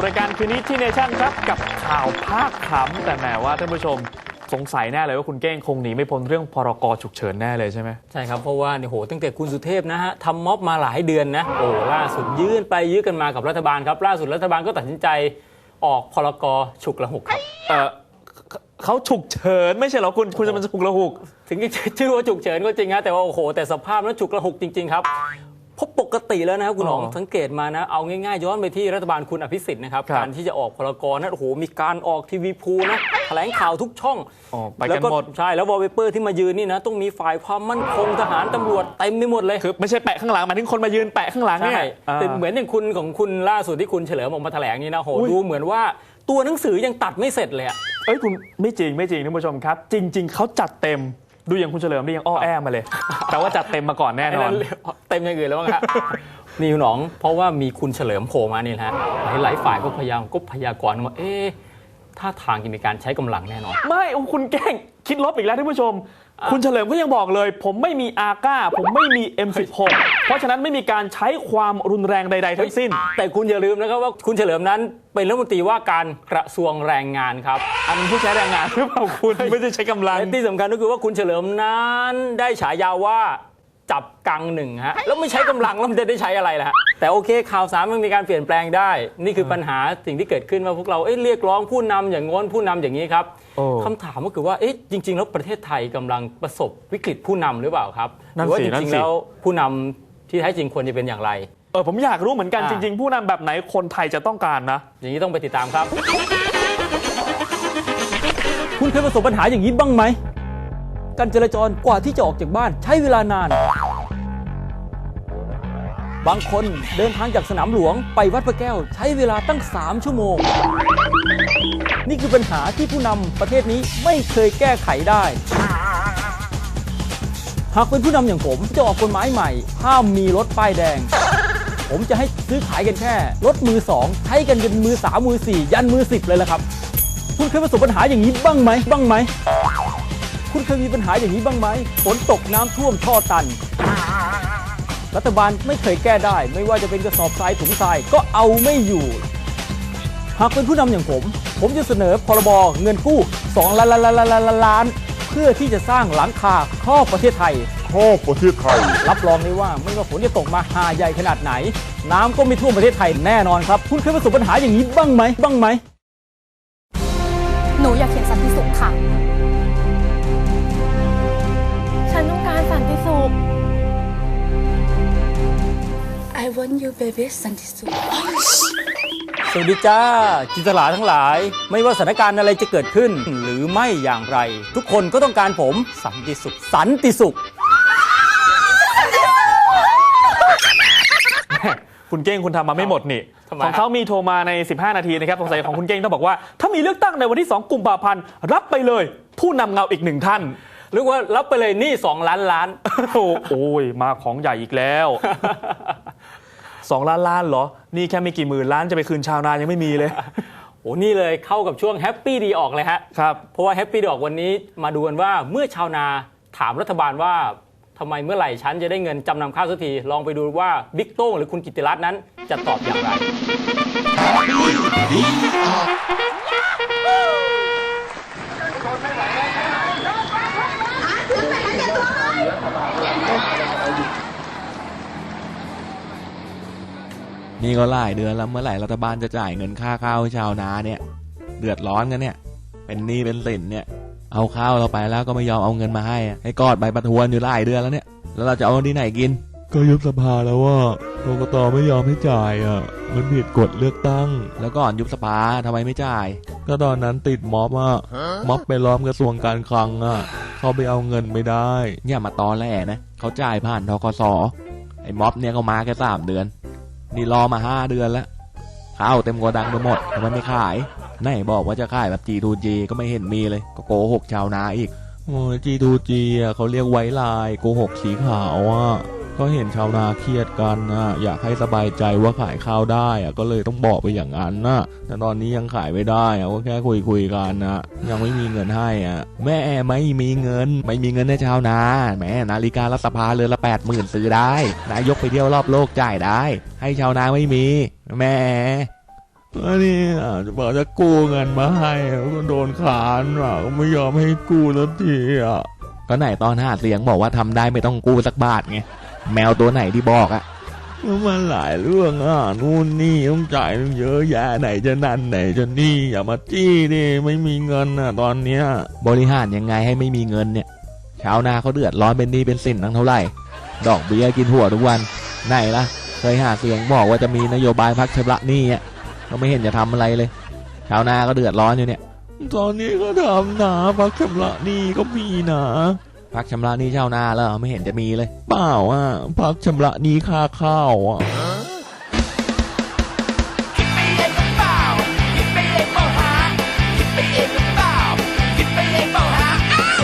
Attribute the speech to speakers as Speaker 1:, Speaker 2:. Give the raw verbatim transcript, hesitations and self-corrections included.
Speaker 1: รายการคืนนี้ที่เนชั่นครับกับข่าวภาคขำแต่แหมว่าท่านผู้ชมสงสัยแน่เลยว่าคุณเก้งคงหนีไม่พ้นเรื่องพรกฉุกเฉินแน่เลยใช่ไหม
Speaker 2: ใช่ครับเพราะว่าเนี่ยโหตั้งแต่คุณสุเทพนะฮะทำม็อบมาหลายเดือนนะโอ้ล่าสุดยื่นไปยื่นกันมากับรัฐบาลครับล่าสุดรัฐบาลก็ตัดสินใจออกพรกฉุกละหุกครับ
Speaker 1: เออเขาฉุกเฉินไม่ใช่เหรอคุณคุณจะมันฉุกละหุก
Speaker 2: ถึงจะชื่อว่าฉุกเฉินก็จริงนะแต่ว่าโอ้โหแต่สภาพนั้นฉุกละหุกจริงๆครับเพราะปกติแล้วนะครับคุณหนองสังเกตมานะเอาง่ายๆย้อนไปที่รัฐบาลคุณอภิสิทธิ์นะครับการที่จะออกพรกนั้นโอ้โหมีการออกทีวีพูนะแถลงข่าวทุกช่อง
Speaker 1: แล้วก็
Speaker 2: ใช่แล้ววอลเปเปอร์ที่มายืนนี่นะต้องมีฝ่ายความมั่นคงทหารตำรวจเต็มไปหมดเลย
Speaker 1: คือไม่ใช่แปะข้างหลังหมายถึงคนมายืนแปะข้างหลังเนี่ย
Speaker 2: เป็นเหมือนอย่างคุณของคุณล่าสุดที่คุณเฉลิมออกมาแถลงนี่นะโหดูเหมือนว่าตัวหนังสือยังตัดไม่เสร็จเลยอ่ะ
Speaker 1: เอ้ยคุณไม่จริงไม่จริงท่านผู้ชมครับจริงๆเขาจัดเต็มดูอย่างคุณเฉลิมนี่ยังอ้อแอมาเลยแต่ว่าจัดเต็มมาก่อนแน่นอน
Speaker 2: เต็มอย่างอื่นแล้วมั้งครับนี่คุณหนองเพราะว่ามีคุณเฉลิมโผล่มานี่แหละหลายฝ่ายก็พยายามก็พยากรณ์ว่าเอ๊ะท่าทางจะมีการใช้กำลังแน่นอน
Speaker 1: ไม่คุณแกล้งคิดลบอีกแล้วท่านผู้ชมคุณเฉลิมก็ยังบอกเลยผมไม่มีอาก้าผมไม่มี เอ็ม สิบหก เพราะฉะนั้นไม่มีการใช้ความรุนแรงใดๆทั้งสิ้น
Speaker 2: แต่คุณอย่าลืมนะครับว่าคุณเฉลิมนั้นเป็นรัฐมนตรีว่าการกระทรวงแรงงานครับ
Speaker 1: อันผู้ใช้แรงงานหรือเปล่าคุณไม่ได้ใช้กำลัง
Speaker 2: ที่สำคัญก็คือว่าคุณเฉลิมนั้นได้ฉายาว่าจับกังหนึ่งฮะแล้วไม่ใช้กำลังแล้วมันจะได้ใช้อะไรล่ะแต่โอเคข่าวสารมันมีการเปลี่ยนแปลงได้นี่คือปัญหาสิ่งที่เกิดขึ้นว่าพวกเราเอ๊ะเรียกร้องผู้นำอย่างง้นผู้นำอย่างนี้ครับคำถามก็คือว่าเอ๊ะจริงๆแล้วประเทศไทยกำลังประสบวิกฤตผู้นำหรือเปล่าครับหรือว่าจริงๆแล้วผู้นำที่แท้จริงควรจะเป็นอย่างไร
Speaker 1: เออผมอยากรู้เหมือนกันจริงๆผู้นำแบบไหนคนไทยจะต้องการนะ
Speaker 2: อย่างนี้ต้องไปติดตามครับคุณเคยประสบปัญหาอย่างนี้บ้างไหมการจราจรกว่าที่จะออกจากบ้านใช้เวลานานบางคนเดินทางจากสนามหลวงไปวัดพระแก้วใช้เวลาตั้งสามชั่วโมงนี่คือปัญหาที่ผู้นำประเทศนี้ไม่เคยแก้ไขได้หากเป็นผู้นำอย่างผมจะออกกฎหมายใหม่ห้ามมีรถป้ายแดงผมจะให้ซื้อขายกันแค่รถมือสองใช้กันเป็นมือสามมือสี่ยันมือสิบเลยละครับคุณเคยประสบปัญหาอย่างนี้บ้างไหมบ้างไหมคุณเคยมีปัญหาอย่างนี้บ้างไหมฝนตกน้ำท่วมท่อตันรัฐบาลไม่เคยแก้ได้ไม่ว่าจะเป็นกระสอบทรายถุงทรายก็เอาไม่อยู่หากเป็นผู้นำอย่างผมผมจะเสนอพรบเงินกู้สองล้านล้านเพื่อที่จะสร้างหลังคาครอบประเทศไทย
Speaker 3: ครอบประเทศไทย
Speaker 2: รับรองได้ว่าไม่ว่าฝนจะตกมาหาใหญ่ขนาดไหนน้ำก็ไม่ท่วมประเทศไทยแน่นอนครับคุณเคยประสบปัญหาอย่างนี้บ้างไหมบ้างไหม
Speaker 4: หนูอยากเขียนสันติสุขค่ะฉันต้องการสันติสุข
Speaker 5: I want you baby สันติสุข
Speaker 2: สวัสดีจ้าจินตลาทั้งหลายไม่ว่าสถานการณ์อะไรจะเกิดขึ้นหรือไม่อย่างไรทุกคนก็ต้องการผมสันติสุขสันติสุข
Speaker 1: คุณเก้งคุณทำมาไม่หมดนี่ของเขามีโทรมาในสิบห้านาทีนะครับสงสัยของคุณเก้งต้องบอกว่าถ้ามีเลือกตั้งในวันที่สองกุมภาพันธ์รับไปเลยผู้นำเงาอีกหนึ่งท่าน
Speaker 2: หรือว่ารับไปเลยนี่สองล้านล้าน
Speaker 1: โอ้ยมาของใหญ่อีกแล้วสองล้านล้านเหรอนี่แค่ไม่กี่หมื่นล้านจะไปคืนชาวนายังไม่มีเลย
Speaker 2: โอ้นี่เลยเข้ากับช่วงแฮปปี้ดีออกเลยฮะ
Speaker 1: ครับ
Speaker 2: เพราะว่าแฮปปี้ดีออกวันนี้มาดูกันว่าเมื่อชาวนาถามรัฐบาลว่าทำไมเมื่อไหร่ฉันจะได้เงินจำนำข้าวสักทีลองไปดูว่าบิ๊กโต้งหรือคุณกิตติรัตน์นั้นจะตอบอย่างไร
Speaker 6: นี่ก็หลายเดือนแล้วเมื่อไหร่รัฐบาลจะจ่ายเงินค่าข้าวให้ชาวนาเนี่ยเดือดร้อนกันเนี่ยเป็นหนี้เป็นสินเนี่ยเอาข้าวเราไปแล้วก็ไม่ยอมเอาเงินมาให้ให้กอดใบประทวนอยู่หลายเดือนแล้วเนี่ยแล้วเราจะเอาที่ไหนกิน
Speaker 3: ก็ยุบสภาแล้วว่ากกต.ไม่ยอมให้จ่ายอ่ะมันผิดกฎเลือกตั้ง
Speaker 6: แล้วก่อนยุบสภาทำไมไม่จ่าย
Speaker 3: ก็ตอนนั้นติดม็อบอ่ะม็อบไปล้อมกระทรวงการคลังอ่ะเขาไปเอาเงินไม่ได้
Speaker 6: เนี่ยมาตอแหลนะเขาจ่ายผ่านธกส.ไอ้ม็อบเนี่ยเขามาแค่สามเดือนนี่รอมาห้าเดือนแล้วข้าวเต็มโกดังไปหมดทำไมไม่ขายไหนบอกว่าจะขายแบบ จี ทู จี ก็ไม่เห็นมีเลยก็โกหกชาวนาอีก
Speaker 3: โอ้ย จี ทู จี อ่ะเขาเรียกไว้ลายโกหกสีขาวอ่ะก็เห็นชาวนาเครียดกันนะอยากให้สบายใจว่าขายข้าวได้อ่ะก็เลยต้องบอกไปอย่างนั้นนะแต่ตอนนี้ยังขายไม่ได้อ่ะก็แค่คุยคุยกันนะยังไม่มีเงินให้อ่ะ
Speaker 6: แม่ไม่มีเงินไม่มีเงินให้ชาวนาแม่นาฬิการัฐสภาเรือนละแปดหมื่นซื้อได้นายกไปเที่ยวรอบโลกจ่ายได้ให้ชาวนาไม่มีแม่
Speaker 3: อันนี้อ่ะจะบอกจะกู้เงินมาให้ก็โดนขานอ่ะก็ไม่ยอมให้กู้สักทีอ่ะ
Speaker 6: ก็ไหนตอนหาเสียงบอกว่าทำได้ไม่ต้องกู้สักบาทไงแมวตัวไหนที่บอกอะ
Speaker 3: มันหลายเรื่องอ่ะนู่นนี่ต้องจ่ายเยอะแยะไหนจะนั่นไหนจะนี่อย่ามาจี้ดิไม่มีเงินอ่ะตอนเนี้ย
Speaker 6: บริหารยังไงให้ไม่มีเงินเนี่ยชาวนาเขาเดือดร้อนเป็นหนี้เป็นสินทั้งเท่าไหร่ดอกเบี้ยกินหัวทุกวันไหนล่ะเคยหาเสียงบอกว่าจะมีนโยบายพักชำระหนี้อ่ะก็ไม่เห็นจะทำอะไรเลยชาวนาก็เดือดร้อนอยู่เนี่ย
Speaker 3: ตอนนี้ก็ทำนะพักชำระหนี้ก็มีนะ
Speaker 6: พักชำระหนี้ชาวนาแล้วไม่เห็นจะมีเลย
Speaker 3: เปล่าอ่ะพักชำระหนี้ค่าข้าวอ่ะ